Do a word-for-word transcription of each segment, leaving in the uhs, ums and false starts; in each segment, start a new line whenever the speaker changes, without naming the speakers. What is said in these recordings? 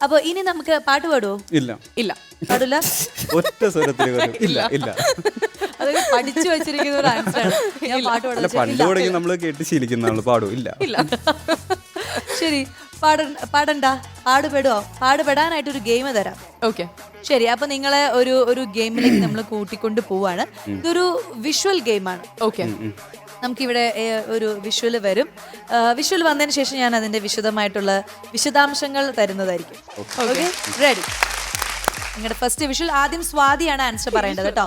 അപ്പൊ ഇനി നമുക്ക് പാട്ട് പാടുവോ?
ഇല്ല
ഇല്ല
പാടില്ല.
ഒറ്റ സ്വരത്തിൽ വരും. ഇല്ല ഇല്ല
അതൊക്കെ പഠിച്ചു വെച്ചിരിക്കുന്ന ഒരു ആൻസറാണ്. ഞാൻ പാട്ട്
അല്ല പണ്ട് തുടങ്ങി നമ്മൾ കേട്ട് ശീലിക്കുന്നതാണ്. പാടും ഇല്ല
ഇല്ല
ശരി, പാട പാടണ്ട, പാടുപെടുവോ? പാടുപെടാനായിട്ടൊരു ഗെയിം തരാം.
ഓക്കെ
ശരി, അപ്പൊ നിങ്ങളെ ഒരു ഒരു ഗെയിമിലേക്ക് നമ്മൾ കൂട്ടിക്കൊണ്ട് പോവാണ്. ഇതൊരു വിഷ്വൽ ഗെയിമാണ്.
ഓക്കെ
നമുക്കിവിടെ ഏ, ഒരു വിഷ്വൽ വരും. വിഷ്വൽ വന്നതിന് ശേഷം ഞാൻ അതിന്റെ വിശദമായിട്ടുള്ള വിശദാംശങ്ങൾ തരുന്നതായിരിക്കും. Okay, ready? നിങ്ങളുടെ ഫസ്റ്റ് വിഷ്വൽ. ആദ്യം സ്വാതിയാണ് ആൻസർ പറയേണ്ടത് കേട്ടോ.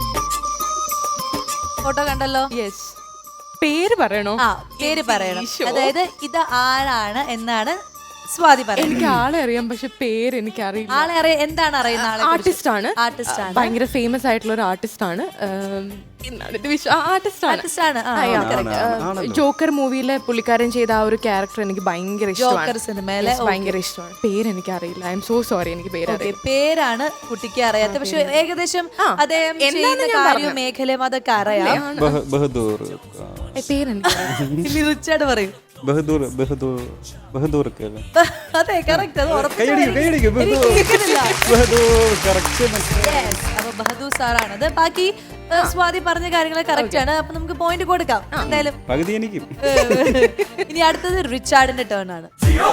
ഫോട്ടോ കണ്ടല്ലോ?
യെസ്. പേര് പറയണോ?
ആ, പേര് പറയണം. അതായത് ഇത് ആരാണ് എന്നാണ് സ്വാതി പറയുന്നത്.
എനിക്ക് ആളെ അറിയാം, പക്ഷെ പേര് എനിക്ക് അറിയില്ല.
ആളെ അറിയാം. എന്താണ് അറിയുന്ന ആളെ?
ആർട്ടിസ്റ്റ് ആണ്.
ആർട്ടിസ്റ്റ് ആണ്.
ഭയങ്കര ഫേമസ് ആയിട്ടുള്ള ഒരു ആർട്ടിസ്റ്റ് ആണ്. ആർട്ടിസ്റ്റ്
ആർട്ടിസ്റ്റ് ആണ്.
ആണ്. ജോക്കർ മൂവിയിലെ പുള്ളിക്കാരൻ ചെയ്ത ആ ഒരു ക്യാരക്ടർ എനിക്ക് ഭയങ്കര
ജോക്കർ
ഇഷ്ടമാണ്.
സിനിമയിലെ
ഭയങ്കര ഇഷ്ടമാണ്. പേര് എനിക്ക് അറിയില്ല. ഐ എം സോ സോറി, എനിക്ക് പേര് അറിയില്ല.
പേരാണ് കുട്ടിക്ക് അറിയാത്ത, പക്ഷെ ഏകദേശം അദ്ദേഹം ചെയ്യുന്ന കാര്യവും മേഖലയും അതൊക്കെ അറിയാം.
ബഹ- ബഹദൂർ
ഇനി റിച്ചാർഡ് പറയും.
ബഹദൂർ ബഹദൂർ ബഹദൂർ ഒക്കെ അല്ലേ?
അതെ, കറക്റ്റ്. അത് ഉറപ്പിച്ച്
കൈയടിക്ക്, കൈയടിക്ക്.
എനിക്ക്
ബഹദൂർ.
കേൾക്കുന്നില്ല.
ബഹദൂർ correct.
Yes, അപ്പൊ ബഹദൂർ സാറാണത്. ബാക്കി ഏ, സ്വാതി പറഞ്ഞ കാര്യങ്ങൾ കറക്റ്റ് ആണ്. അപ്പൊ നമുക്ക് പോയിന്റ് കൊടുക്കാം എന്തായാലും.
പകുതി എനിക്കും.
ഇനി അടുത്തത് റിച്ചാർഡിന്റെ ടേൺ ആണ്.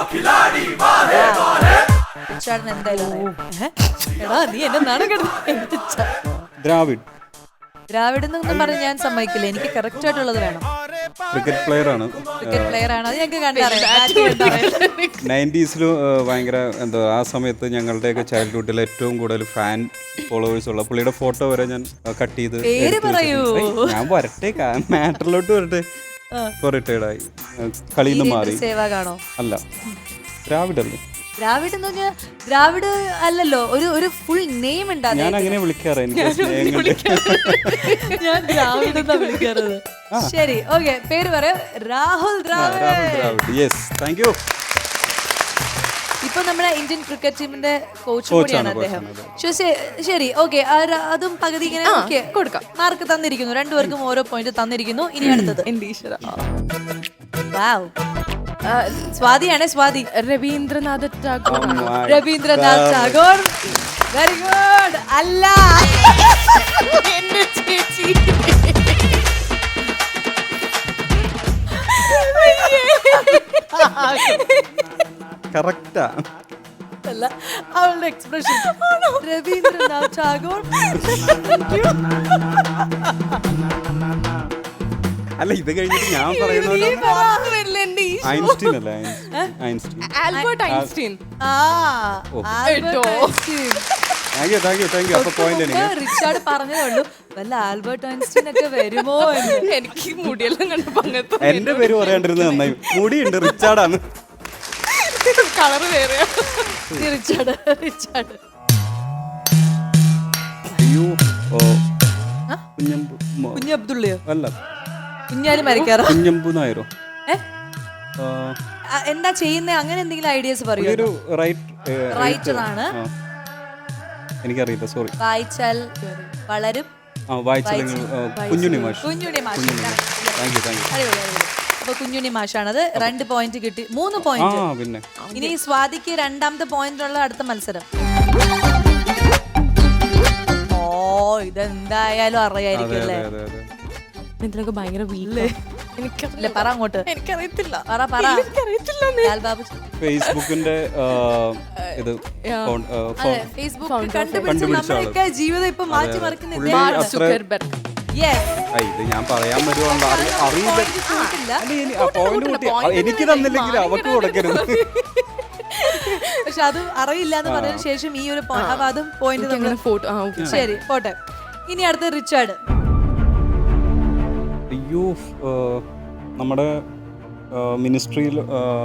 റിച്ചാർഡിന് എന്തായാലും അറിയാം. ഏ? എടാ നീ എന്നെ നാണം കെടുത്ത.
ദ്രാവിഡ്
ദ്രാവിഡ് എന്നൊന്നും പറഞ്ഞ് ഞാൻ സമ്മതിക്കില്ല. എനിക്ക് കറക്റ്റ് ആയിട്ടുള്ളത് വേണം.
ക്രിക്കറ്റ് പ്ലെയർ ആണ്.
ക്രിക്കറ്റ് പ്ലെയർ ആണ്. അത് ഞങ്ങൾക്ക് കണ്ടറിയാം.
നയൻറ്റീസിലും ഭയങ്കര എന്താ ആ സമയത്ത് ഞങ്ങളുടെയൊക്കെ ചൈൽഡ്ഹുഡിൽ ഏറ്റവും കൂടുതൽ ഫാൻ ഫോളോവേഴ്സ് ഉള്ള പുള്ളിയുടെ ഫോട്ടോ വരെ ഞാൻ കട്ട് ചെയ്ത്
പേര്
എടുത്ത്
പറയൂ.
വെച്ചിട്ടുണ്ട്. ഏയ്, ഞാൻ വരട്ടെ, മാറ്ററിലോട്ട് വരട്ടെ. ഇപ്പൊ റിട്ടയർഡ് ആയി, കളിയിൽ നിന്ന് മാറി.
സേവാഗാണോ?
അല്ല, ദ്രാവിഡ് അല്ലേ?
ദ്രാവിഡ് എന്ന് പറഞ്ഞാൽ ദ്രാവിഡ് അല്ലല്ലോ, ഒരു ഒരു ഫുൾ നെയിം ഉണ്ട്.
ഞാൻ അങ്ങനെ വിളിക്കാറ്. എനിക്ക് സ്നേഹം കൊണ്ട്
ഞാൻ ദ്രാവിഡ് എന്നാ വിളിക്കാറത്. ശരി, ഓക്കെ, പേര് പറയാം. Rahul Dravid.
Rahul Dravid. Yes, thank you.
ഇപ്പൊ നമ്മുടെ ഇന്ത്യൻ ക്രിക്കറ്റ് ടീമിന്റെ കോച്ച്
Coach
കൂടിയാണ്
ആണ്,
അദ്ദേഹം.
coach ആണ്,
ശരി, ശരി, ഓക്കെ. അതും പകുതി ഇങ്ങനെ ഓക്കെ
കൊടുക്കാം.
മാർക്ക് തന്നിരിക്കുന്നു. രണ്ടുപേർക്കും ഓരോ പോയിന്റ് തന്നിരിക്കുന്നു. ഇനി അടുത്തത്
എന്റെ ഈശ്വര.
വാവ്, സ്വാതിയാണ്. സ്വാതി.
രവീന്ദ്രനാഥ ടാഗോർ.
രവീന്ദ്രനാഥ് ടാഗോർ. Very good. അല്ല,
എന്റെ ചേച്ചി.
കറക്റ്റാ.
അല്ല, അവളുടെ എക്സ്പ്രഷൻ. രവീന്ദ്രനാഥ് ടാഗോർ.
അല്ല, ഇത് കഴിഞ്ഞിട്ട് ഞാൻ പറയണല്ലോ. ഐൻസ്റ്റീൻ അല്ലേ? ഐൻസ്റ്റീൻ.
Albert Einstein.
ആ, Albert Einstein.
Thank you, thank you, thank you. അപ്പൊ പോയിന്റ് എനിക്ക്.
റിച്ചാർഡ് പറഞ്ഞതേ ഉള്ളൂ വല്ല ആൽബർട്ട് ഐൻസ്റ്റീൻ ഒക്കെ വരുമോ എന്ന്.
എനിക്ക് മുടിയെല്ലാം കണ്ടപ്പോ അങ്ങനത്തെ
എന്റെ പേര് പറയാണ്ടിരുന്നത് നന്നായി. മുടിയുണ്ട്, റിച്ചാർഡാണ്.
കളറ് വേറെയാ.
Richard, Richard.
അയ്യോ, ഓ കുഞ്ഞമ്പു മോ-
കുഞ്ഞു അബ്ദുള്ളയോ?
അല്ല,
കുഞ്ഞാലി മരിക്കാറോ?
കുഞ്ഞമ്പു നായരോ?
ഏ?
ആ,
ആ, എന്താ ചെയ്യുന്നേ? അങ്ങനെ എന്തെങ്കിലും ഐഡിയാസ് പറയൂ.
ഒരു റൈറ്റ്
റൈറ്റർ ആണ്.
എനിക്കറിയില്ല, സോറി.
വായിച്ചാൽ വളരും.
ആ, വായിച്ചില്ലെങ്കിൽ Kunjunni Mash.
Kunjunni Mash.
Thank you, thank you.
അടിപൊളി, അടിപൊളി. അപ്പൊ കുഞ്ഞുണ്ണി മാഷാണത്. രണ്ട് പോയിന്റ് കിട്ടി. മൂന്ന്
ആ
പോയിന്റ്.
പിന്നെ
ഇനി സ്വാതിക്ക് രണ്ടാമത്തെ പോയിന്റുള്ള അടുത്ത മത്സരം. ഓ, ഇതെന്തായാലും
അതെ
അറിയായിരിക്കും
അതെ
അല്ലേ?
അതെ അതെ.
ഇതിലൊക്കെ ഭയങ്കര വീട്ടില്
ഇല്ല, പറ അങ്ങോട്ട്.
എനിക്കറിയത്തില്ല.
പറ, പറ.
എനിക്കറിയത്തില്ല.
ലാൽ ബാബു.
ഫേസ്ബുക്കിന്റെ ആ, ഇത് ഫോൺ- ആ, ഫോൺ-
ഫേസ്ബുക്ക്
Founder.
കണ്ടുപിടിച്ച്
കണ്ടുപിടിച്ച ആള്.
നമ്മളൊക്കെ ജീവിതം ഇപ്പൊ മാറ്റി മറിക്കുന്ന
പുള്ളി
ഇദ്ദേഹമാണ്.
അത്ര-
സുക്കർബർഗ്.
Yes.
ആ, ഇത് ഞാൻ പറയാൻ വരുവാണല്ലോ. അറി- അറിയില്ല.
Point കൂട്ടില്ല.
അല്ല, ഇനി- ആ, point കൂട്ടി. ആ, എനിക്ക് തന്നില്ലെങ്കിൽ അവക്ക് കൊടുക്കരുത്.
പക്ഷെ അതും അറിയില്ല എന്ന് പറഞ്ഞതിന് ശേഷം ഈ ഒരു point- അപ്പൊ അതും പോയിന്റ് നമ്മൾ.
അങ്ങനെ ഫോട്ടോ. ആ, okay.
ശരി, പോട്ടെ. ഇനി അടുത്ത റിച്ചാർഡ്.
അയ്യോ, ആ, നമ്മുടെ മിനിസ്ട്രിയിൽ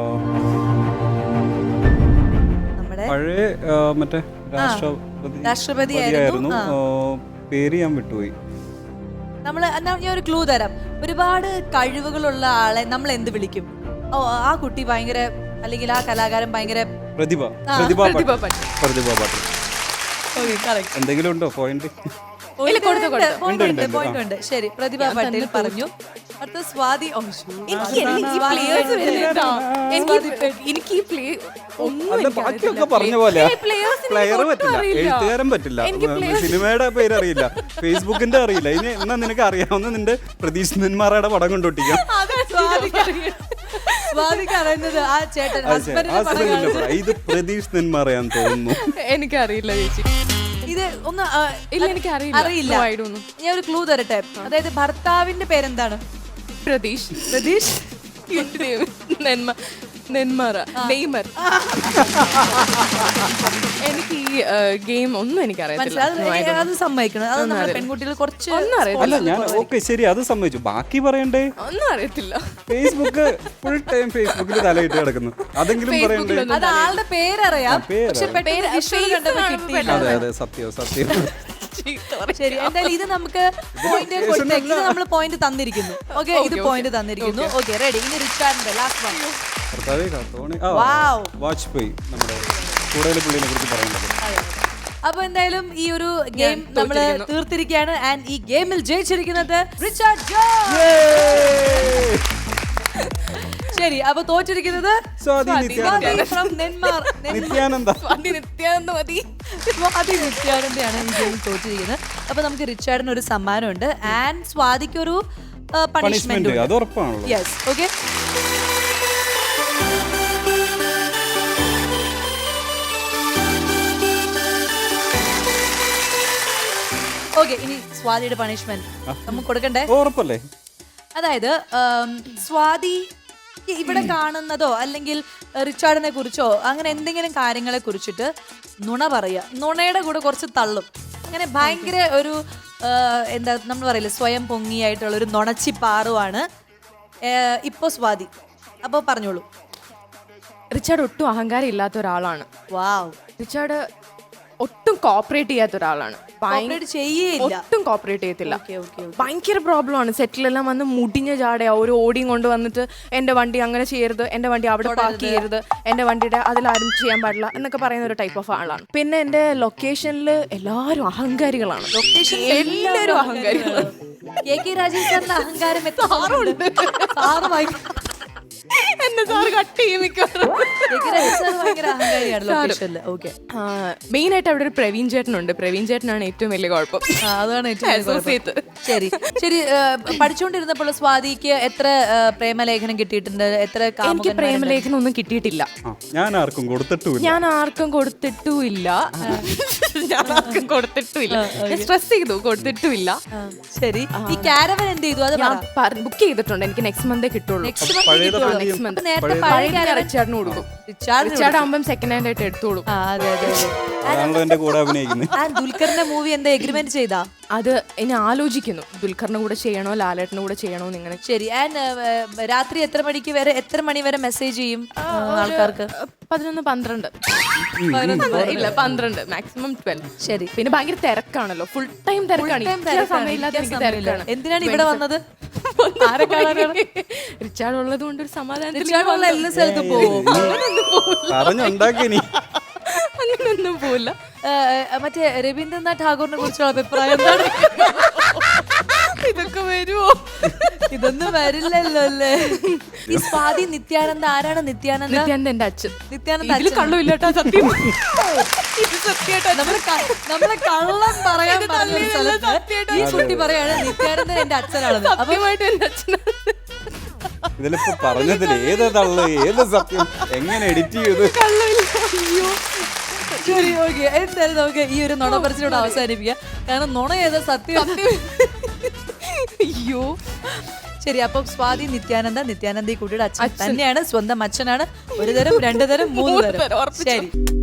നമ്മുടെ
പഴയ ആ, മറ്റേ രാഷ്ട്രപതി
രാഷ്ട്രപതിയായിരുന്നു.
ആ, പേര് ഞാൻ വിട്ടുപോയി.
നമ്മൾ എന്നാ ഞാൻ ഒരു ക്ലൂ തരാം. ഒരുപാട് കഴിവുകളുള്ള ആളെ നമ്മൾ എന്ത് വിളിക്കും? ഓ, ആ കുട്ടി ഭയങ്കര, അല്ലെങ്കിൽ ആ കലാകാരൻ ഭയങ്കര.
പ്രതിഭ. പ്രതിഭ പാട്ടിൽ. പ്രതിഭ പാട്ടിൽ.
Okay, correct.
എന്തെങ്കിലും ഉണ്ടോ പോയിന്റ്?
ഇല്ല, കൊടുത്തു, കൊടുത്തു.
പോയിന്റ്
ഉണ്ട്,
ഉണ്ട്
ഉണ്ട്.
പോയിന്റ് ഉണ്ട് ശരി. പ്രതിഭ പട്ടേൽ പറഞ്ഞു. അടുത്ത സ്വാതി. ഓ, ശ്ശോ.
എനിക്ക് എനിക്ക് ഈ players വരുന്നില്ല. എനിക്ക് എനിക്ക് ഈ പ്ലേ ഒന്നും
അല്ല
എനിക്ക്
ബാക്കിയൊക്കെ
അറിയത്തില്ല.
പറഞ്ഞ പോലെ
ഏയ് players നെ
പ്ലെയർ
എനിക്ക്
പറ്റില്ല,
ഒട്ടും അറിയില്ല.
എഴുത്തുകാരൻ പറ്റില്ല,
എനിക്ക് players-
സിനിമയുടെ പേര് അറിയില്ല, ഫേസ്ബുക്കിന്റെ അറിയില്ല. ഇനി എന്നാ നിനക്ക് അറിയാവുന്ന നിന്റെ പ്രതീഷ് നെന്മാറയുടെ പടം കൊണ്ടൊട്ടിക്കാം.
സ്വാതിക്ക് അറിയാം. സ്വാതിക്ക് അറിയുന്നത് ആ ചേട്ടൻ
ആ
ഹസ്ബൻഡിന്റെ പടം
സിനിമയിലെ
കാണിച്ചു.
പടം. ഇത് പ്രതീഷ് നെന്മാറയാന്ന് തോന്നുന്നു.
എനിക്കറിയില്ല ചേച്ചി.
ഇത് ഒന്ന് ആ,
ഇല്ല, എനിക്ക് അറിയില്ല.
അറിയില്ല.
No, I don't know.
ഞാൻ ഒരു ക്ലൂ തരട്ടെ. അതായത് ഭർത്താവിന്റെ പേരെന്താണ്?
പ്രതീഷ്
പ്രതീഷ്.
എന്റെ ദൈവം. നെന്മ നെന്മാറ നെയ്മർ. എനിക്ക് ഈ ഗെയിം ഒന്നും എനിക്ക് അറിയത്തില്ല.
മനസ്സിലായി. അത് അത് സമ്മതിക്കണം. അത് നമ്മുടെ പെൺകുട്ടികൾ കുറച്ച്
ഒന്നും അറിയത്തില്ല.
അല്ല ഞാൻ ഓക്കെ ശരി അത് സമ്മതിച്ചു. ബാക്കി പറയണ്ടേ?
ഒന്നും അറിയത്തില്ല.
ഫേസ്ബുക്ക് ഫുൾ ടൈം ഫേസ്ബുക്കിൽ തലയിട്ട് കിടക്കുന്നു. അതെങ്കിലും പറയണ്ടേ?
അത് ആളുടെ പേരറിയാം.
പേര്
പക്ഷെ പെട്ടെന്ന് visual കണ്ടപ്പോ കിട്ടിയില്ല.
അതെ അതെ സത്യം സത്യം.
ശരി, എന്തായാലും ഇത് നമുക്ക് പോയിന്റ് കൊടുത്തേക്ക്. ഇത് നമ്മൾ പോയിന്റ് തന്നിരിക്കുന്നു. ഓക്കെ, ഇത് പോയിന്റ് തന്നിരിക്കുന്നു. Okay, ready. ഇനി റിച്ചാർഡിന്റെ ലാസ്റ്റ് വൺ.
ഭർത്താവേ കാത്തോണി. ആ,
Wow.
വാജ്പേയി നമ്മുടെ കൂടുതൽ പുള്ളിനെ കുറിച്ച് പറയേണ്ടത്.
അപ്പൊ എന്തായാലും ഈ ഒരു ഗെയിം നമ്മൾ തീർത്തിരിക്കുകയാണ്. ആൻഡ് ഈ ഗെയിമിൽ ജയിച്ചിരിക്കുന്നത് റിച്ചാർഡ് ജോൺ. ശരി, അപ്പൊ തോറ്റിരിക്കുന്നത്
സ്വാതി നിത്യാനന്ദ.
from നെന്മാർ.
നിത്യാനന്ദ.
സ്വാതി നിത്യാനന്ദ മതി.
സ്വാതി നിത്യാനന്ദയാണ് ഈ ഗെയിം തോറ്റിരിക്കുന്നത്. അപ്പൊ നമുക്ക് റിച്ചാർഡിന് ഒരു സമ്മാനമുണ്ട് ആൻഡ് സ്വാതിക്ക് ഒരു പണിഷ്മെന്റ്
പണിഷ്മെന്റ് അത് ഉറപ്പാണല്ലോ.
യെസ്. Okay, okay. ഇനി സ്വാതിയുടെ പണിഷ്മെന്റ് നമുക്ക് കൊടുക്കണ്ടേ?
ഉറപ്പല്ലേ?
അതായത് ആം, സ്വാതി ഇവിടെ കാണുന്നതോ അല്ലെങ്കിൽ റിച്ചാർഡിനെ കുറിച്ചോ അങ്ങനെ എന്തെങ്കിലും കാര്യങ്ങളെ കുറിച്ചിട്ട് നുണ പറയുക. നുണയുടെ കൂടെ കുറച്ച് തള്ളും. അങ്ങനെ ഭയങ്കര ഒരു ആ, എന്താ നമ്മൾ പറയില്ലേ, സ്വയം പൊങ്ങിയായിട്ടുള്ള ഒരു നുണച്ചി പാറുവാണ് ഇപ്പൊ സ്വാതി. അപ്പോൾ പറഞ്ഞോളൂ.
റിച്ചാർഡ് ഒട്ടും അഹങ്കാരം ഇല്ലാത്ത ഒരാളാണ്.
വാവ്.
റിച്ചാർഡ് ഒട്ടും കോപ്പറേറ്റ് ചെയ്യാത്ത ഒരാളാണ്.
കോപ്പറേറ്റ് ചെയ്യേയില്ല.
ഒട്ടും കോപ്പറേറ്റ് ചെയ്യത്തില്ല.
Okay, okay.
ഭയങ്കര പ്രോബ്ലം ആണ്. സെറ്റിലെല്ലാം വന്ന് മുടിഞ്ഞ ജാടയാ. ഒരു ഓടിയും കൊണ്ട് വന്നിട്ട് എന്റെ വണ്ടി അങ്ങനെ ചെയ്യരുത്, എന്റെ വണ്ടി അവിടെ പാർക്ക് ചെയ്യരുത്, എന്റെ വണ്ടിയുടെ അതിലാരും ചെയ്യാൻ പാടില്ല എന്നൊക്കെ പറയുന്ന ഒരു ടൈപ്പ് ഓഫ് ആളാണ്. പിന്നെ എന്റെ ലൊക്കേഷനിൽ എല്ലാവരും അഹങ്കാരികളാണ്.
ലൊക്കേഷൻ
എല്ലാവരും അഹങ്കാരികളാണ്.
കെ കെ രാജീവ് സാറിന്റെ അഹങ്കാരം എത്ര സാറുണ്ട്. സാറ് ഭയങ്കര
എന്നെ സാറ് കട്ട് ചെയ്യും മിക്കവാറും.
കെ കെ രാജീവ് സാർ ഭയങ്കര അഹങ്കാരിയാണ് ലൊക്കേഷനിൽ. ഓക്കെ,
മെയിൻ ആയിട്ട് അവിടെ ഒരു പ്രവീൺ ചേട്ടനുണ്ട്. പ്രവീൺ ചേട്ടനാണ് ഏറ്റവും വലിയ കുഴപ്പം.
അതാണ് ഏറ്റവും വലിയ കുഴപ്പം.
Associate.
ശരി ശരി. പഠിച്ചുകൊണ്ടിരുന്നപ്പോൾ സ്വാതിക്ക് എത്ര ആ, പ്രേമലേഖനം കിട്ടിയിട്ടുണ്ട്? എത്ര
എനിക്ക്
കാമുകന്മാരുണ്ട്?
പ്രേമലേഖനം ഒന്നും കിട്ടിയിട്ടില്ല.
ആ, ഞാൻ ആർക്കും കൊടുത്തിട്ടുമില്ല.
ഞാൻ ആർക്കും കൊടുത്തിട്ടുമില്ല. ഞാൻ ആർക്കും കൊടുത്തിട്ടുമില്ല. സ്ട്രെസ് ചെയ്തു, കൊടുത്തിട്ടുമില്ല.
ആ, ശരി. ഈ കാരവൻ എന്ത് ചെയ്തു? അത്
ഞാൻ ബുക്ക് ചെയ്തിട്ടുണ്ട്. എനിക്ക് നെക്സ്റ്റ് മന്തേ കിട്ടുള്ളൂ.
നെക്സ്റ്റ് മന്ത്
പഴയത്
കിട്ടുമോ?
നെക്സ്റ്റ് മന്ത്
നേരത്തെ പഴയ കാരവൻ
റിച്ചാർഡിന് കൊടുക്കും.
റിച്ചാർഡിന്
റിച്ചാർഡ് ആകുമ്പം സെക്കൻഡ് ഹാൻഡ് ആയിട്ട് എടുത്തോളൂ.
ആ, അതെ അതെ അതെ.
അതാണല്ലോ എന്റെ കൂടെ അഭിനയിക്കുന്നത്.
ആ ദുൽഖറിന്റെ മൂവി എന്താ എഗ്രിമെന്റ് ചെയ്താ?
അത് ഇനി ആലോചിക്കുന്നു. ദുൽഖറിന്റെ കൂടെ ചെയ്യണോ ലാലേട്ടന്റെ കൂടെ ചെയ്യണോ എന്ന് ഇങ്ങനെ.
ശരി. ആൻഡ് രാത്രി എത്ര മണിക്ക് വരെ എത്ര മണി വരെ മെസ്സേജ് ചെയ്യും ആ, ആൾക്കാർക്ക്?
പതിനൊന്ന് പന്ത്രണ്ട് ഇല്ല പന്ത്രണ്ട് മാക്സിമം ട്വൽവ്.
ശരി.
പിന്നെ ഭയങ്കര തിരക്കാണല്ലോ. ഫുൾ ടൈം തിരക്കാണ്. ഇരിക്കാൻ സമയമില്ലാത്ത എനിക്ക് തിരക്കാണ്.
എന്തിനാണ് ഇവിടെ വന്നത്? ആരെ കാണാനാണ്?
റിച്ചാർഡ് ഉള്ളത് കൊണ്ട് ഒരു സമാധാനം.
റിച്ചാർഡുള്ള എല്ലാ സ്ഥലത്തും പോവും.
പറഞ്ഞുണ്ടാക്കി നീ.
അങ്ങനെയൊന്നും പോവില്ല.
മറ്റേ രവീന്ദ്രനാഥ് ടാഗോറിനെ കുറിച്ചുള്ള അഭിപ്രായം എന്താണ്?
ഇതൊക്കെ വരുമോ?
ഇതൊന്നും വരില്ലല്ലോ അല്ലേ? ഈ സ്വാതി നിത്യാനന്ദ ആരാണ്? നിത്യാനന്ദ
നിത്യാനന്ദ എന്റെ അച്ഛൻ.
നിത്യാനന്ദ
ഇതില്
അച്ഛൻ.
കള്ളുമില്ലാട്ടോ സത്യം. ഇത് സത്യമായിട്ടോ.
നമ്മള് ക- നമ്മള് കള്ളം പറയാൻ പറഞ്ഞ സ്ഥലത്ത് ഈ കുട്ടി പറയാണ് നിത്യാനന്ദൻ എന്റെ അച്ഛനാണെന്ന്. അപ്പൊ
സത്യമായിട്ട് എന്റെ അച്ഛനാണ്.
ഇതിലിപ്പോ പറഞ്ഞതിൽ ഏത് തള്ളു ഏത് സത്യം എങ്ങനെ എഡിറ്റ് ചെയ്ത്
കള്ളുമില്ല.
ശരി, ഓക്കെ. എന്തായാലും നമുക്ക് ഈ ഒരു നുണ പറച്ചിലൂടെ അവസാനിപ്പിക്കാം. കാരണം നുണ ഏതാ സത്യം?
അയ്യോ.
ശരി, അപ്പം സ്വാതി നിത്യാനന്ദ നിത്യാനന്ദ ഈ കുട്ടിയുടെ അച്ഛൻ തന്നെയാണ്. സ്വന്തം അച്ഛനാണ്. ഒരു തരം, രണ്ടു തരം, മൂന്ന് തരം. ശരി.